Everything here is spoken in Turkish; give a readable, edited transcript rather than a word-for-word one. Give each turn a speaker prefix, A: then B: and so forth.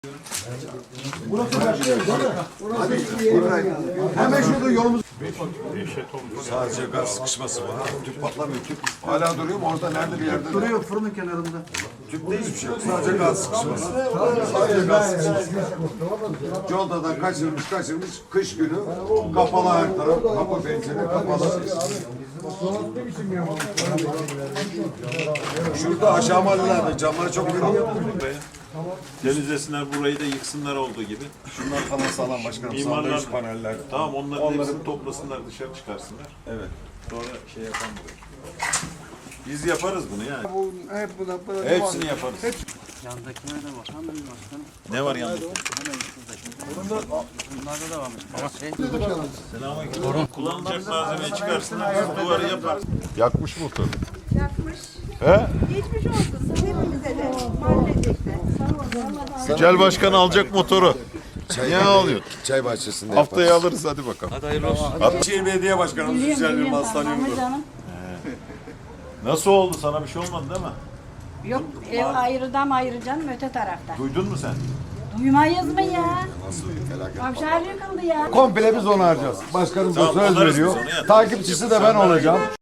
A: Hemen şurada yolumuz.
B: Sadece gaz sıkışması var. Tüp patlamıyor. Tüp hala duruyor mu? Orada nerede bir yerde?
A: Duruyor fırının kenarında.
B: Tüpte hiçbir şey yok. Sadece gaz sıkışması. Sadece gaz sıkışması. Yolda da kaçırmış. Kış günü kapalı her taraf. Kapı pencere kapalı. Şurada aşağı mahallelerde camları çok büyük.
C: Temizlesinler burayı da yıksınlar olduğu gibi.
B: Şunlar falan sağlam başkanım. Sandviç paneller.
C: Tamam onların hepsini toplasınlar dışarı çıkarsınlar.
B: Evet.
C: Sonra şey yapan burayı. Biz yaparız bunu yani.
B: Hepsini yaparız.
D: Yandakine de bak. Hemen başkanım.
C: Ne var yanında?
D: Bunlarda da varmış. Ama şey.
C: Selamünaleyküm. Kullanılacak malzemeyi çıkarsınlar. Biz duvarı yaparız.
B: Yakmış motor.
E: Yakmış.
B: He?
E: Geçmiş olsun hepimize de. Mahallecekte.
B: Yücel Başkan alacak motoru. Niye alıyor?
F: Çay bahçesinde
B: Haftaya alırız hadi bakalım.
D: Hadi hayırlı olsun.
B: Atçıyer Belediye Başkanımız Yücel Yılmaz tanıyorum.
C: Nasıl oldu? Sana bir şey olmadı değil mi?
E: Yok ev ayrıdan ayıracaksın öte tarafta.
C: Duydun mu sen?
E: Duymayız mı ya? Avşar yıkıldı ya.
F: Komple biz onu harcayacağız. Başkanım da
C: Tamam,
F: söz
C: alırız biz
F: veriyor.
C: onu ya.
F: Takipçisi de ben olacağım.